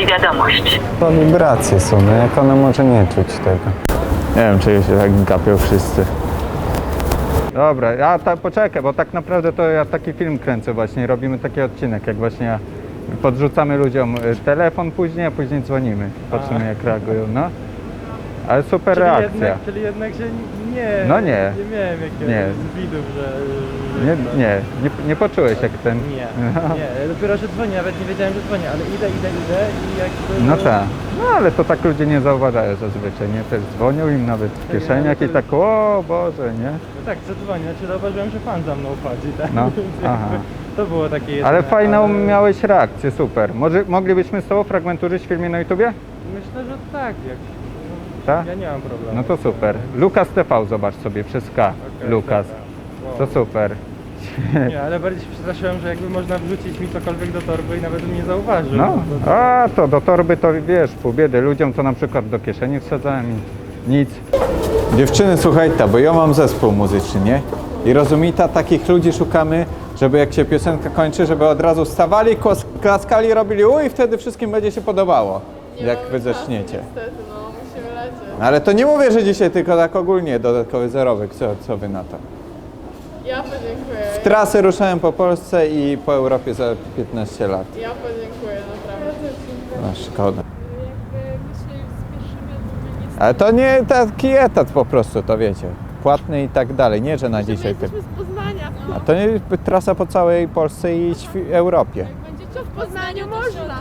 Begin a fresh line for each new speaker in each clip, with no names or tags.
Wyślij wiadomość.
To wibracje są, no jak ona może nie czuć tego. Nie wiem, czy się tak gapią wszyscy. Dobra, ja poczekaj, bo tak naprawdę to ja taki film kręcę właśnie, robimy taki odcinek, jak właśnie podrzucamy ludziom telefon później, a później dzwonimy. Patrzymy jak reagują, no. Ale super reakcja.
Czyli jednak się
No nie.
nie miałem jakiegoś widów, że
Nie poczułeś jak ten...
nie, dopiero że dzwoni, nawet nie wiedziałem, że dzwoni, ale idę i jakby...
No tak, no ale to tak ludzie nie zauważają zazwyczaj, nie? Też dzwonią im nawet w kieszeniach i tak, o Boże, nie?
No tak, że dzwoni, znaczy zauważyłem, że pan za mną chodzi, tak?
No,
Więc
aha.
jakby to było takie jedyne,
Ale fajną
ale
miałeś reakcję, super. Może moglibyśmy z tobą fragment użyć w filmie na YouTubie?
myślę, że tak,
Tak?
ja nie mam problemu.
No to super. Lukas TV zobacz sobie, przez K.
Okej,
Lukas.
dobra.
To super.
Wow. Nie, ale bardziej się przestraszyłem, że jakby można wrzucić mi cokolwiek do torby i nawet bym nie zauważył.
No,
To-
a to do torby to wiesz, pół biedy. Ludziom to na przykład do kieszeni wsadzałem i nic. Dziewczyny, słuchajcie, bo ja mam zespół muzyczny, nie? I rozumita, takich ludzi szukamy, żeby jak się piosenka kończy, żeby od razu stawali, klaskali, robili i wtedy wszystkim będzie się podobało, jak wy zaczniecie.
Niestety, no musimy lecieć.
Ale to nie mówię, że dzisiaj, tylko tak ogólnie dodatkowy zarobek. Co wy na to?
Ja podziękuję.
Trasy ruszałem po Polsce i po Europie za 15 lat.
Ja podziękuję, naprawdę.
No szkoda.
Jakby my się spieszymy, to my nie
Ale to nie taki etat po prostu, to wiecie. Płatny i tak dalej, nie że na dzisiaj.
jesteśmy z Poznania.
A to nie trasa po całej Polsce i Europie.
Jak będzie to w Poznaniu można.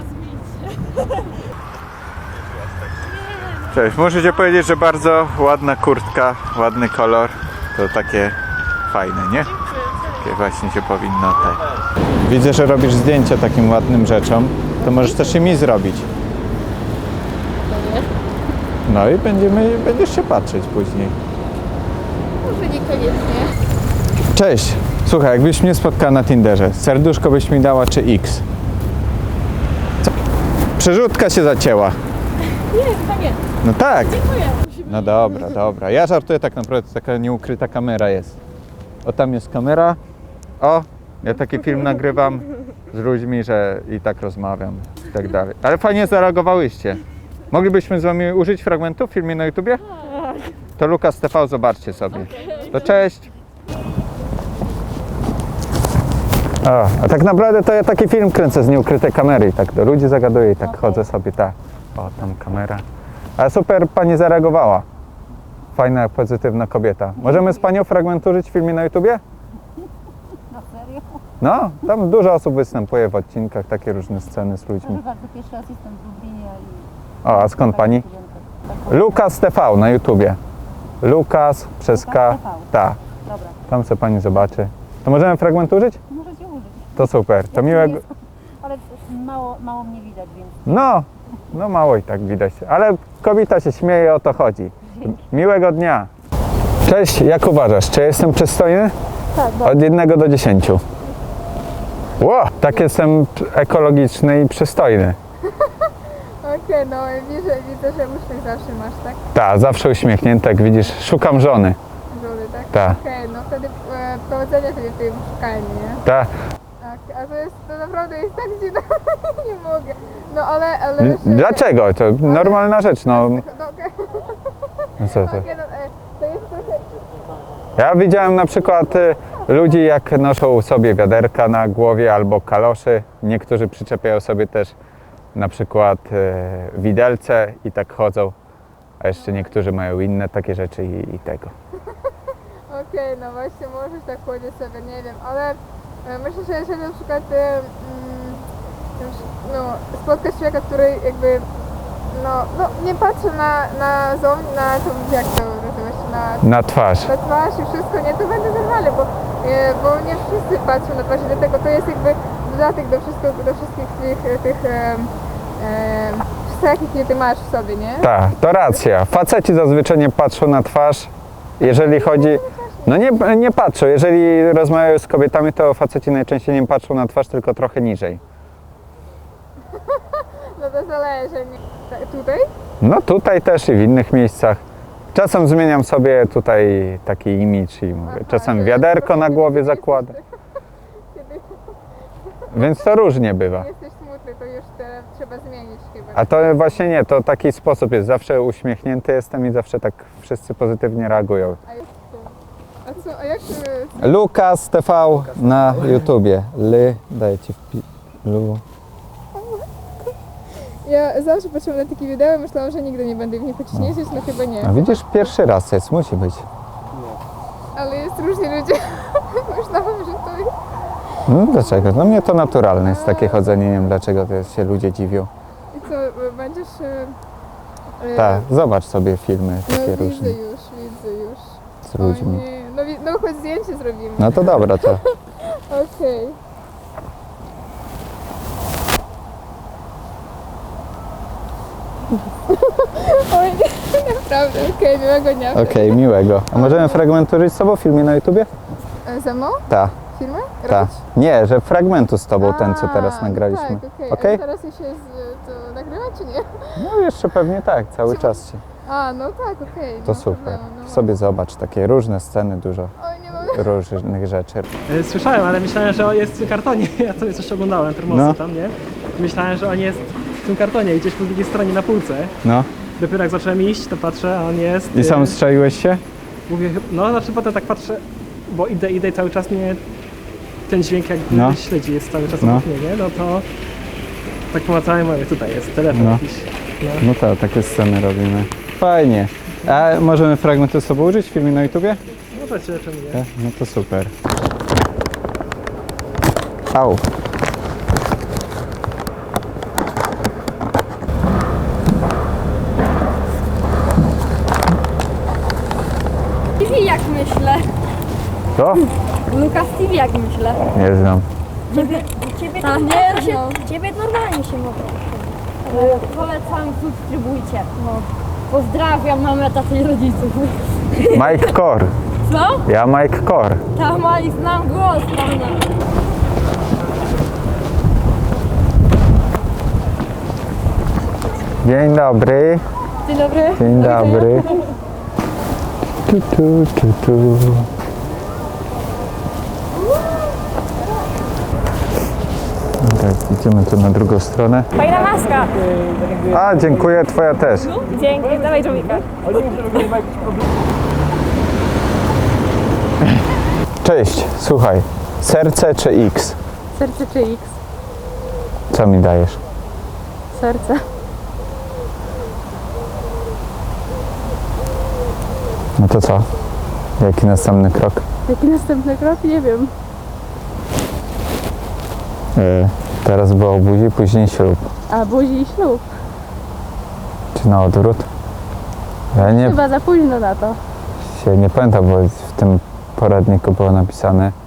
Cześć, muszę ci powiedzieć, że bardzo ładna kurtka, ładny kolor. To takie fajne, nie? Takie właśnie się powinno tak. Widzę, że robisz zdjęcia takim ładnym rzeczom. To możesz też i mi zrobić. No i będziesz się patrzeć później.
Może niekoniecznie.
Cześć, słuchaj, jakbyś mnie spotkała na Tinderze, serduszko byś mi dała czy X? Co? Przerzutka się zacięła.
Nie, chyba nie.
No tak.
Dziękuję.
No dobra, dobra. Ja żartuję, tak naprawdę to taka nieukryta kamera jest. O, tam jest kamera. O, ja taki film nagrywam z ludźmi, że i tak rozmawiam i tak dalej. Ale fajnie zareagowałyście. Moglibyśmy z wami użyć fragmentu w filmie na YouTubie? To Lukas TV, zobaczcie sobie. To cześć. O, a tak naprawdę to ja taki film kręcę z nieukrytej kamery i tak do ludzi zagaduję i tak chodzę sobie, tak. O, tam kamera. Ale super pani zareagowała. Fajna, pozytywna kobieta. Możemy z panią fragment użyć w filmie na YouTubie?
Na serio?
No, tam dużo osób występuje w odcinkach, takie różne sceny z ludźmi.
Proszę bardzo, pierwszy raz jestem w Lublinie i...
O, a skąd pani? Lukas TV na YouTubie. Lukas przez K.
Lukas TV.
Ta.
Dobra,
Tam co pani zobaczy. To możemy fragment użyć?
możecie użyć.
To super. To
Ja
miłego.
jest- Ale mało mnie widać, więc
No mało i tak widać. Ale kobieta się śmieje, o to chodzi. Miłego dnia. Cześć, jak uważasz? Czy jestem przystojny?
tak,
Od 1 do 10. Ło, tak jestem ekologiczny i przystojny.
Okej, no widzę, że uśmiech zawsze masz, tak?
Tak, zawsze uśmiechnięty, jak widzisz. Szukam żony.
Żony, tak?
Tak.
Okej, no wtedy powodzenia sobie w tym szukaniu, nie?
Tak.
Tak, a to naprawdę jest tak dziwne, nie mogę. No ale wiesz,
Dlaczego? To normalna rzecz, no.
No, okej,
No co to?
okej, no, to jest trochę...
Ja widziałem na przykład ludzi, jak noszą sobie wiaderka na głowie albo kaloszy. Niektórzy przyczepiają sobie też na przykład widelce i tak chodzą. A jeszcze niektórzy mają inne takie rzeczy i tego.
Okej, no właśnie możesz tak chodzić sobie, nie wiem, ale myślę, że jeżeli na przykład spotkasz człowieka, który jakby nie patrzy na jak to nazywa się,
Na twarz.
na twarz i wszystko, nie, to będzie normalne, bo nie wszyscy patrzą na twarz i dlatego to jest jakby dodatek do wszystkich tych cech, jakie ty masz w sobie, nie?
Tak, to racja. Faceci zazwyczaj nie patrzą na twarz, jeżeli chodzi... No nie patrzą. Jeżeli rozmawiają z kobietami, to faceci najczęściej nie patrzą na twarz, tylko trochę niżej.
No to zależy, nie? Tutaj?
No tutaj też i w innych miejscach. Czasem zmieniam sobie tutaj taki imidż i mówię, czasem wiaderko na głowie zakładam.
Kiedy
Więc to różnie bywa.
jesteś smutny tylko już trzeba zmienić chyba.
A to właśnie nie, to taki sposób jest. Zawsze uśmiechnięty jestem i zawsze tak wszyscy pozytywnie reagują.
A jak...
Lukas TV na YouTubie. Daję ci Lu.
Ja zawsze patrzyłam na takie wideo i myślałam, że nigdy nie będę w nich chodzić jeździć, no chyba nie.
A widzisz, pierwszy raz jest, musi być.
Ale jest różni ludzie. Myślałam, że to jest...
No dlaczego? No mnie to naturalne jest takie chodzenie, nie wiem dlaczego to się ludzie dziwią.
I co, będziesz...
Tak, zobacz sobie filmy
No
takie
widzę
różne
już.
z ludźmi.
O nie. No choć zdjęcie zrobimy.
No to dobra, to
Okej. Oj, nie, naprawdę, okej, miłego dnia.
okej, miłego. A możemy fragmentu żyć z tobą w filmie na YouTubie?
Ze mną?
Tak,
Filmy?
tak.
Robić?
Nie, że fragmentu z tobą, ten co
A,
teraz nagraliśmy.
Tak, okej.
Okej?
A teraz już jest to nagrywa, czy nie?
No jeszcze pewnie tak, cały czas się.
A, no tak, okej.
To
no
super.
problemu, no.
Sobie zobacz, takie różne sceny, dużo
Oj, nie mam...
różnych rzeczy.
Słyszałem, ale myślałem, że jest w kartonie. Ja sobie coś oglądałem, termosy
No.
tam, nie? Myślałem, że on jest w tym kartonie, gdzieś po drugiej stronie na półce.
No
Dopiero jak zacząłem iść, to patrzę, a on jest...
i sam strzeliłeś się?
Mówię, no znaczy potem tak patrzę, bo idę i cały czas mnie ten dźwięk jakby
No.
śledzi, jest cały czas
No.
obok mnie, nie? No to tak pomacałem, mówię, tutaj jest telefon
No.
jakiś. No.
No tak, takie sceny robimy. Fajnie. A możemy fragmentu z sobą użyć w filmie na YouTubie?
Możecie, czemu nie?
Tak? No to super. Au.
TV jak myślę.
Co?
Lukas TV jak myślę.
Nie znam.
Ciebie to nie Ciebie normalnie się mogę. Polecam, subskrybujcie. No. Pozdrawiam mamę, tatę i rodziców.
Mike Kor.
Co?
Ja Mike Kor.
Tam i znam głos pana.
Dzień dobry.
Dzień dobry.
Dzień dobry. Tu. Tak, idziemy tu na drugą stronę.
Fajna maska.
A, dziękuję, twoja też.
Dzięki, dawaj Jomika.
Cześć, słuchaj. Serce czy X?
Serce czy X?
Co mi dajesz?
Serce.
No to co? Jaki następny krok?
Jaki następny krok? Nie wiem.
Teraz było buzi, później ślub.
A buzi i ślub.
Czy na odwrót? Ja
Chyba za późno na to.
nie pamiętam, bo w tym poradniku było napisane